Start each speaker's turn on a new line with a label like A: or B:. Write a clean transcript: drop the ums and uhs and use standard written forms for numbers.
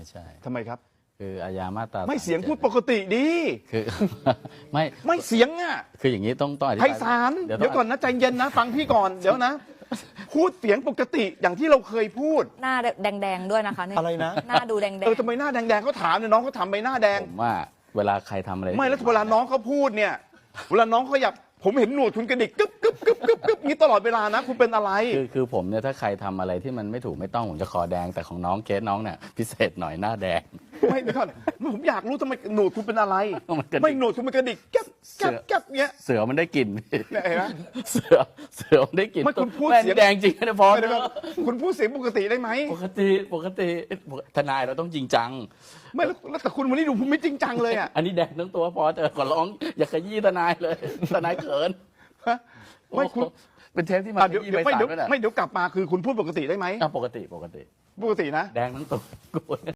A: ใช่
B: ทำไมครับ
A: คืออาญามาตรา
B: ไม่เสียง
A: 37
B: พูดปกติดี
A: คือ ไม่
B: ไม่เสียงอ่ะ
A: คืออย่างนี้ต้องอธิ
B: ไพ
A: บาย
B: ศาล
A: เดี๋ยว
B: เดี๋ยวก่อนนะใจเย็นนะฟังพี่ก่อนเดี๋ยวนะ พูดเสียงปกติอย่างที่เราเคยพูด
C: หน้าแดงๆด้วยนะคะเนี่ย
B: อะไรนะ
C: หน้าดูแดง
B: ทำไมหน้าแดงๆเขาถามเนี่ยน้องเขาทำใบหน้าแดง
A: ผมว่าเวลาใครทำอะไร
B: ไม่แล้วเวลาน้องเขาพูดเนี่ยเวลาน้องเขาอยากผมเห็นหนวดคุณกระดิกกึ๊บกึ๊บกึ๊บกึ๊บกึ๊บนี้ตลอดเวลานะ คุณเป็นอะไร
A: คือผมเนี่ยถ้าใครทำอะไรที่มันไม่ถูกไม่ต้องผมจะคอแดงแต่ของน้องเคสน้องเนี่ยพิเศษหน่อยหน้าแดง
B: ไม่เดี๋ยวก่อนผมอยากรู้ทำไมหนวดคุณเป็นอะไร
A: มันกระดิก
B: ไม่หนวดคุณมันกระดิกแก๊บแก๊บแก๊บเงี้ย
A: เสือมันได้กลิ่น
B: เนี่ยเห็นไหม
A: เสือมันได้กลิ่น
B: ไม่คุณพูด
A: แม่ง
B: เสียง
A: แดงจริงนะพอ
B: ไม่เดี๋ยวก่อนคุณพูดเสียงปกติได้ไหม
A: ปกติทนายเราต้องจริงจัง
B: ไม่แล้วแต่คุณวันนี้ดูผมไม่จริงจังเลยอ่ะ
A: อันนี้แดงทั้งตัวพอเถอะขอร้องอย่าขยี้ทนายเลยทนายเขิน
B: ไม่คุณ
A: โอ้โหเป็นเทปที่มา
B: เดี๋ยว
A: ขยี้ใบ
B: ไม่
A: สั่ง
B: เดี๋ยว
A: ด้วยนะ
B: ไม่เดี๋ยวกลับมาคือคุณพูดปกติได้ไหม
A: ปกติ
B: ปกตินะ
A: แดงทั้งตัว